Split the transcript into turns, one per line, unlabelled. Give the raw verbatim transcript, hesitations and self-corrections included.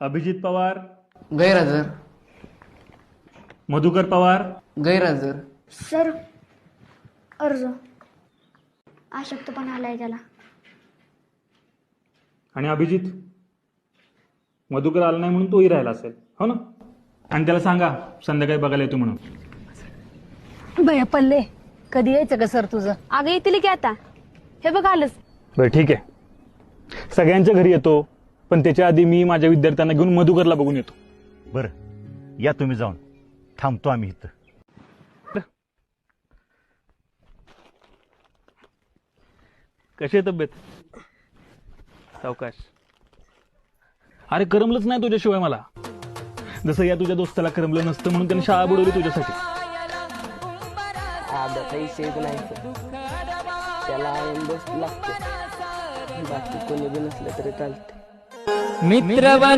अभिजित पवार,
गैरहजर.
मधुकर पवार,
गैरहजर.
सर अर्ज अशक्तपणा आलाय त्याला.
आणि अभिजित मधुकर आला नाही म्हणून तोही राहिला असेल, हो ना? आणि त्याला सांगा संध्याकाळी बघायला येतो म्हणून.
भैया पल्ले कधी यायचं का सर तुझं?
अगं येतील की आता. हे बघ आलंच.
बरं ठीक आहे, सगळ्यांच्या घरी येतो, पण त्याच्या आधी मी माझ्या विद्यार्थ्यांना घेऊन मधुकरला बघून येतो.
बरं या तुम्ही जाऊन, थांबतो आम्ही इथं.
कशी आहे तब्येत? सावकाश. अरे करमलंच नाही तुझ्याशिवाय मला, जसं या तुझ्या दोस्ताला करमलं नसतं म्हणून त्याने शाळा बुडवली तुझ्यासाठी.
आब्याचा विषयच नाही सर. त्याला आयन दोस्त लागते, बाकी कोणी बी नसलं तरी चालते.
मित्र